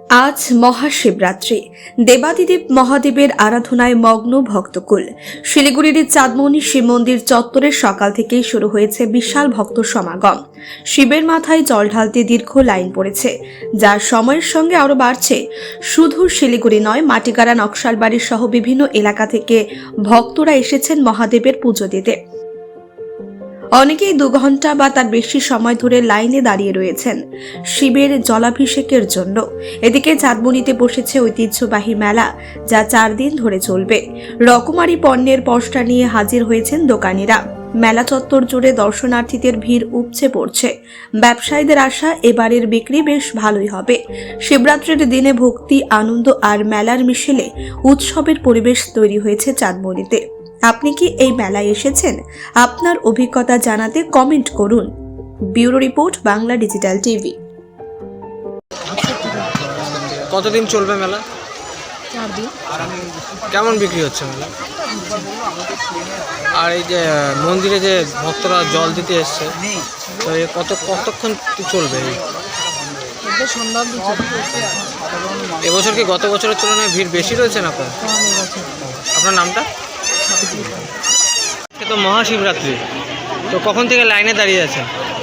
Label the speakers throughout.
Speaker 1: আজ মহাশিবরাত্রি। দেবাদিদেব মহাদেবের আরাধনায় মগ্ন ভক্তকুল। শিলিগুড়ির চাঁদমণি শিব মন্দির চত্বরে সকাল থেকেই শুরু হয়েছে বিশাল ভক্ত সমাগম। শিবের মাথায় জল ঢালতে দীর্ঘ লাইন পড়েছে, যা সময়ের সঙ্গে আরও বাড়ছে। শুধু শিলিগুড়ি নয়, মাটিগাড়া, নকশালবাড়ি সহ বিভিন্ন এলাকা থেকে ভক্তরা এসেছেন মহাদেবের পুজো দিতে। অনেকেই 2 ঘন্টা বা তার বেশি সময় ধরে লাইনে দাঁড়িয়ে রয়েছেন শিবের জলাভিষেকের জন্য। এদিকে চাঁদমণিতে বসেছে ঐতিহ্যবাহী মেলা, যা 4 দিন ধরে চলবে। রকমারি পণ্যের পসরা নিয়ে হাজির হয়েছেন দোকানিরা। মেলা চত্বর জুড়ে দর্শনার্থীদের ভিড় উপচে পড়ছে। ব্যবসায়ীদের আশা, এবারের বিক্রি বেশ ভালোই হবে। শিবরাত্রির দিনে ভক্তি, আনন্দ আর মেলার মিশেলে উৎসবের পরিবেশ তৈরি হয়েছে চাঁদমণিতে। আপনি কি এই মেলায় এসেছেন? আপনার অভিজ্ঞতা জানাতে কমেন্ট করুন। Bureau report, Bangla digital TV.
Speaker 2: কতদিন চলবে মেলা?
Speaker 3: 4 দিন।
Speaker 2: কেমন বিক্রি হচ্ছে মেলা? আর এই যে মন্দিরে যে ভক্তরা জল দিতে এসছে, তো কতক্ষণ চলবে?
Speaker 3: সন্ধ্যা অবধি চলবে।
Speaker 2: এবছর কি গত বছরের তুলনায় ভিড় বেশি রয়েছে না কম? আপনার নামটা? আজকে তো মহাশিবরাত্রি, তো কখন থেকে লাইনে দাঁড়িয়ে আছেন?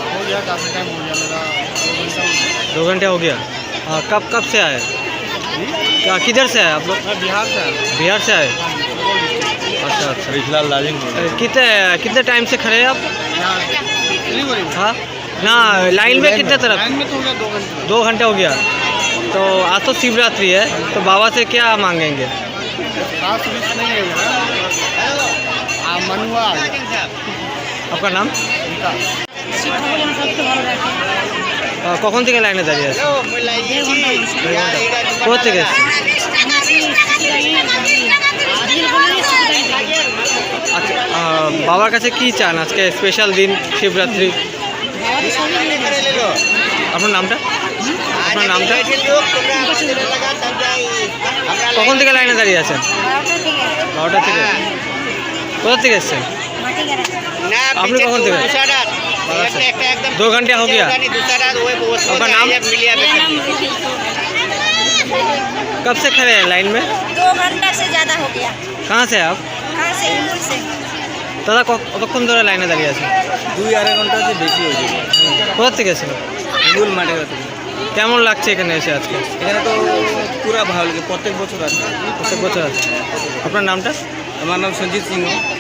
Speaker 2: 2 घंटे हो गया। कब से आए? किधर से आए आप लोग? बिहार से आए। अच्छा अच्छा।
Speaker 4: फिलहाल लाजिंग
Speaker 2: कितने टाइम से खड़े हैं आप? हाँ ना, लाइन में कितने तरफ? 2 घंटे हो गया। तो आज तो शिवरात्रि है, तो बाबा से क्या मांगेंगे? आपका नाम? কখন থেকে লাইনে দাঁড়িয়ে আছে? কোথা থেকে এসছে? আচ্ছা, বাবার কাছে কি চান আজকে স্পেশাল দিন শিবরাত্রি? আপনার নামটা? আপনার নামটা? কখন থেকে লাইনে দাঁড়িয়ে আছেন? 12টা থেকে। কোথা থেকে এসছেন আপনি? কখন থেকে? 2 घंटे हो गया। आपका नाम? कब से खड़े हैं लाइन में?
Speaker 5: 2 घंटा से ज़्यादा हो गया।
Speaker 2: कहाँ से आप?
Speaker 5: कहाँ से? हिंगुल से।
Speaker 2: দাদা কতক্ষণ ধরে লাইনে দাঁড়িয়ে আছেন?
Speaker 4: 2-2.5 ঘন্টা বেশি হয়ে যাবে।
Speaker 2: কোথা থেকে এসেছেন?
Speaker 4: হিঙ্গুল মাঠের থেকে।
Speaker 2: কেমন লাগছে এখানে এসে আজকে?
Speaker 4: এখানে তো পুরো ভালো লাগে, প্রত্যেক বছর আছে।
Speaker 2: প্রত্যেক বছর আছে। আপনার নামটা?
Speaker 4: আমার নাম সঞ্জিত সিংহ।